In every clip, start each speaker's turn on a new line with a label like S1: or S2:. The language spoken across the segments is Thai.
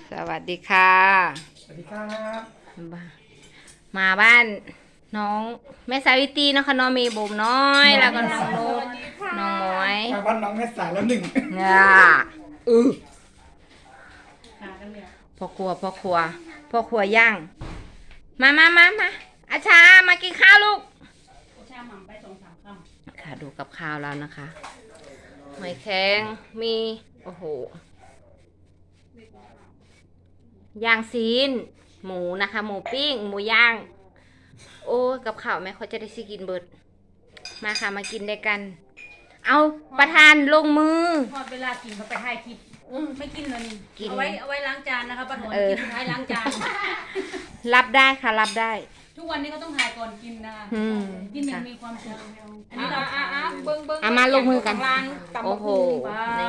S1: สวัสดีค่ะ
S2: สวัสดีครับ
S1: มาบ้านน้องแม่สาวิตรีนะคะน้องมีบุ๋มน้อย แล้วก็น้องนุ๊กน้องหมวย
S2: มาบ้านน้องแม่สายแล้วหนึ่ง
S1: เนี่ยพ่อครัวย่าง มาอาชามากินข้าวลูกอาชาหม่ำไป2-3 คำค่ะดูกับข้าวแล้วนะคะหอยแครงมีโอ้โหย่างซีนหมูนะคะหมูปิ้งหมูย่าง โอ้กับข้าวแม่เขาจะได้สิกินเบิดมาค่ะมากินด้วยกัน เอาประธานลงมือ
S3: พอดเวลากินเขาไปให้คลิปไม่กินเลยนี่
S1: กิน
S3: เอาไว้ล้างจานนะคะป้าถอน
S1: เออ
S3: กินสุดท้ายล้างจาน
S1: รับได้ค่ะรับได้
S3: ทุกวันนี้ก็ต้องถ่ายก่อนกินนะ
S1: อืม
S3: กินอย่างมีความสุขอันนี้เรา
S4: เบิ้ง
S1: เอามาลงมือกัน
S4: ตำ
S1: โอ้
S4: บัก
S1: โห
S4: หุ่ง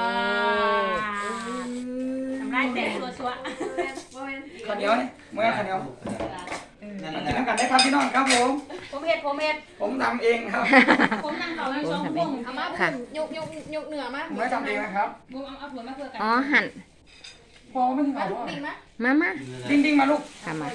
S1: นี่
S3: ทำได้แต่ชัว
S2: ข้าวเหนียวนี่เมื่อข้าวเหนียวมากินน้ำกันได้ครับพี่น้องครับผม
S3: ๆผมเห็ด
S2: ผมทำเองครับ
S3: ผมนั่งต่อในช่องพวง
S4: เอามา
S1: ค่ะ
S4: ยกเหนือมา
S2: ผมไม่ทำเองนะครับ
S3: บุ้มเอาถั่วมาเพื่อกัน
S1: อ๋อหั่น
S2: พอไม่ถึง
S4: มา
S2: เอา
S4: ลูกดิ่งมา
S1: มา
S2: ดิ้งมาลูก
S1: ค่ะมา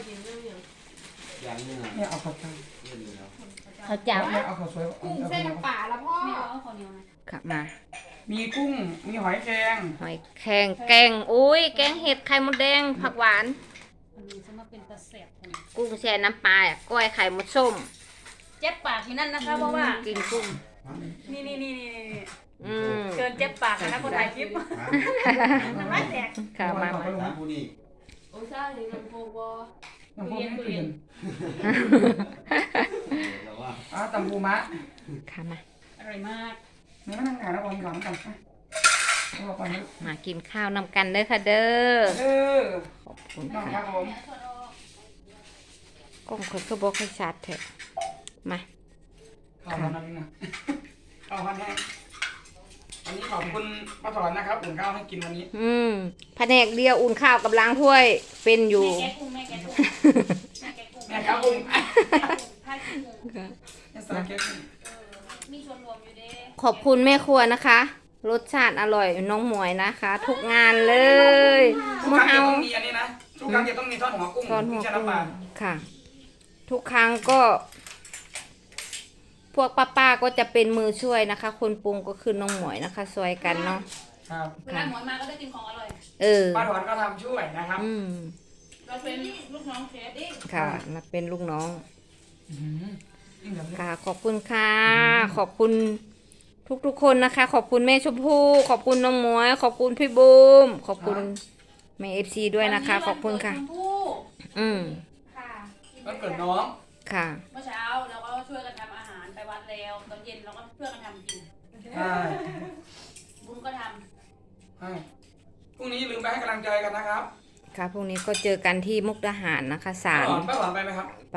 S2: เนี่ยเอาข้าวเจ้า
S1: เขาจับ
S2: เนี่ยเอาข้าวสวย
S4: กุ้งเส้นน้ำปลาแล้วพ่อ
S3: ไม่เอาข้าวเหนียวนะ
S1: ค่ะมา
S2: มีกุ้งมีหอยแครง
S1: หอยแครงแกงอุ้ยแกงเห็ดไข่มดแดงผักหวาน
S3: อันนี้จะมาเป็นตะแสบคน
S1: กุ้งแช่น้ำปลาก้อยไข่มดส้ม
S3: เจ็บปากที่นั่นนะคะเพราะว่า
S1: กินกุ้ง
S3: นี่
S1: อืม
S3: เกินเจ็บปากนะคนถ่ายคลิปน้ำลายแตก
S1: ค่ะมา
S2: น้ำ
S4: โอ้ใช่นี่ลำโพงวอ
S2: พวกนี้เปลี่ยนตำปูมะ
S1: ค่ะมา
S3: อร่อยมาก
S2: นี่มานั่งหาแล้วผมหลังกันเอาไปนะ
S1: มากินข้าวนำกันเด้อค่ะเด้อ
S2: เออ
S1: ขอบคุณ
S2: น้องค
S1: ค่ะ
S2: รับผม
S1: กล้องคนก็บอกให้ชัดเถอะมา
S2: ข้าวมันนั่นนะข้าวพันแห้งวันนี้ขอบคุณป้าถอนนะครับอุ่นข้าวให้กินวันนี้
S1: แผนกเดียวอุ่นข้าวกับล้างถ้วยเป็นอยู่
S3: แม่แกะกุ้งแม่แกะกุ้ง
S2: แม่ครับกุ้ง
S3: ถ้ากินกุ้ง
S2: เนี่ยสาเก็ต
S3: มีส่วนรวมอยู่เด้
S1: ขอบคุณแม่ครัวนะคะ รสชาติอร่อยน้องหมวยนะคะ ทุกงานเลย
S2: ทุก
S1: มา
S2: ครั้ง
S1: เอา
S2: จะต้องมีอันนี้นะทุกครั้งจะต้องมีทอดหัวกุ้ง
S1: ทอดหัว
S2: ไม่ใช่
S1: กุ้ง
S2: น้ำปลา
S1: ค่ะ ทุกครั้งก็ พวกป้าๆก็จะเป็นมือช่วยนะคะ คนปรุงก็คือน้องหมวยนะคะซอยกันเนาะ
S2: ครับ
S3: เวลาหมวยมาก็ได้กินของอร่อย
S1: เออ
S2: ป้าถอนก็ทำช่วยนะครับ
S3: เราเป็นลูกน้องเชฟดิ
S1: ค่ะมาเป็นลูกน้อง
S2: ยิ่งแบบนี้
S1: ค่ะ ขอบคุณค่ะ ขอบคุณทุกๆคนนะคะ ขอบคุณแม่ชมพู่ขอบคุณน้องหมวย ขอบคุณพี่บูมขอบคุณแม่เอฟซีด้วยนะคะ ขอบคุณค่ะ
S3: วันนี้วันเกิดชมพู่
S1: อืม
S3: ค่ะ
S2: วันเกิดน้อง
S1: ค่ะ
S3: เมื่อเช้าเราก็ช่วยกันทำอาหารไปวัดแล้วตอนเย็นเราก็ช่วยกันทำกิน
S2: ใช่
S3: บุ้มก็ท
S2: ใช่พรุ่งนี้ลืมไปให้กำลังใจกันนะครับ
S1: ค่ะพรุ่งนี้ก็เจอกันที่มุกดาหารนะคะศาล
S2: ป้าถอนไปไหมครับ
S1: ไป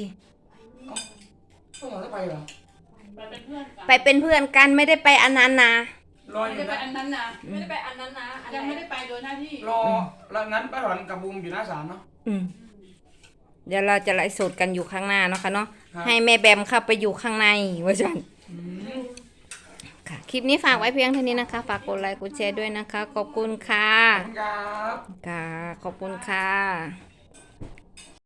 S2: ป้าถอนจะไปเหรอ
S3: ำไปเป็นเพื่อนกัน
S1: ไปเป็นเพื่อนกันไม่ได้ไปอันนั้นนะ
S2: รออ
S3: ไม่
S2: ยู่
S3: ได้ไป
S2: นะ
S3: อันนั้นนะ
S4: ไม่ได้ไปอันนั้นนะอัน
S3: ยัง
S4: ไหน
S3: ไม่ได้ไปโดยหน้าที่
S2: รอแล้วงั้นป้าถอนกับบูมอยู่หน้าศาลเนาะ
S1: อืมเดี๋ยวเราจะไลฟ์สดกันอยู่ข้างหน้าเนาะค่ะเนาะ
S2: ครับ
S1: ให้แม่แบมเข้าไปอยู่ข้างในว่าจัน
S2: อืม
S1: ค่ะ คลิปนี้ฝากไว้เพียงเท่านี้นะคะ ฝากกดไลค์กดแชร์ด้วยนะคะ ขอบคุณค่ะ
S2: ขอบคุณครับ
S1: ค่ะ ขอบคุณค่ะ